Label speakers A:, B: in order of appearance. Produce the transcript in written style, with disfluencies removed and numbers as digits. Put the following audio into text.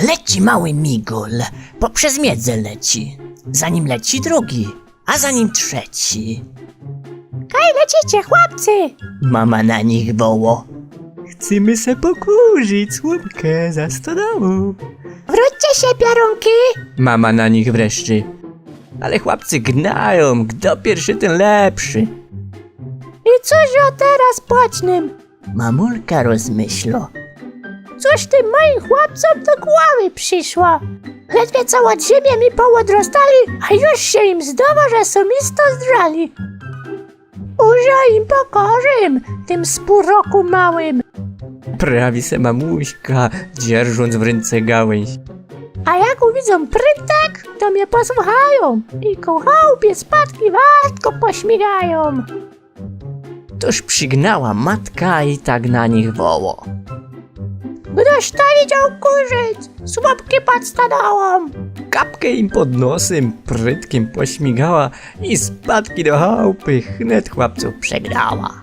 A: Leci mały migol, poprzez miedzę leci. Za nim leci drugi, a za nim trzeci.
B: Kaj lecicie, chłopcy?
A: Mama na nich woło. Chcemy se pokurzyć słupkę za stodołą.
B: Wróćcie się, piorunki!
A: Mama na nich wreszcie. Ale chłopcy gnają, kto pierwszy ten lepszy.
B: I cóż o teraz płacznym?
A: Mamulka rozmyślo.
B: Cóż tym moim chłopcom do głowy przyszło? Ledwie co od ziemię mi połodrostali, a już się im zdawa, że są isto zdrali. Użo im pokorzym, tym spóroku małym.
A: Prawi se mamuśka, dzierżąc w ręce gałęź.
B: A jak uwidzą prytek, to mnie posłuchają i ku chałupie spadki wartko pośmigają.
A: Toż przygnała matka i tak na nich woło.
B: Ktoś to widział kurzyć, słupki pod stodołą.
A: Kapkę im pod nosem prytkiem pośmigała i spadki do chałupy wnet chłopców przegrała.